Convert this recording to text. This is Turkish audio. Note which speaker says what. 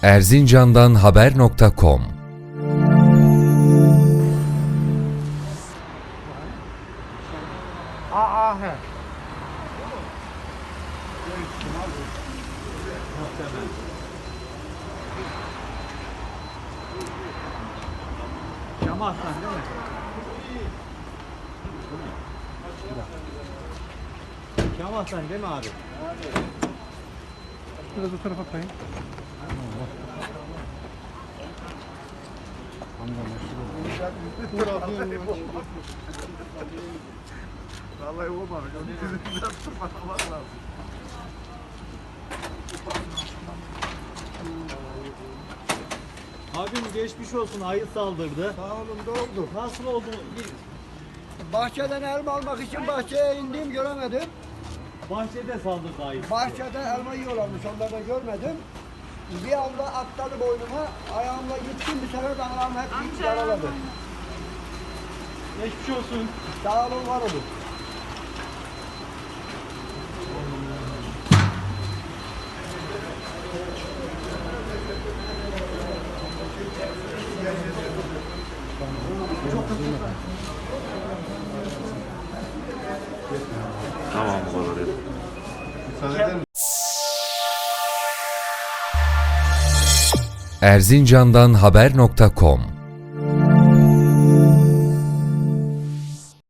Speaker 1: Erzincan'dan haber.com.
Speaker 2: Cama atlan değil mi? Cama atlan değil mi abi?
Speaker 3: Biraz o tarafa kayın.
Speaker 4: Vallahi olmamış. Onu yüzünden tutmamak lazım.
Speaker 2: Abim geçmiş olsun, ayı saldırdı.
Speaker 5: Sağ olun, doğru.
Speaker 2: Nasıl oldu?
Speaker 5: Bahçeden elma almak için bahçeye indim, göremedim.
Speaker 2: Bahçede saldırdı ayı.
Speaker 5: Bahçede elma yiyorlarmış, onları da görmedim. Bir anda atladı boynuma, ayağımla gittim, bir sefer de ayağım hep yaraladı.
Speaker 2: Geçmiş olsun.
Speaker 5: Sağ olun, var olun.
Speaker 4: Tamam bu kadar. Müsaade eder misin?
Speaker 1: Erzincan'dan haber.com.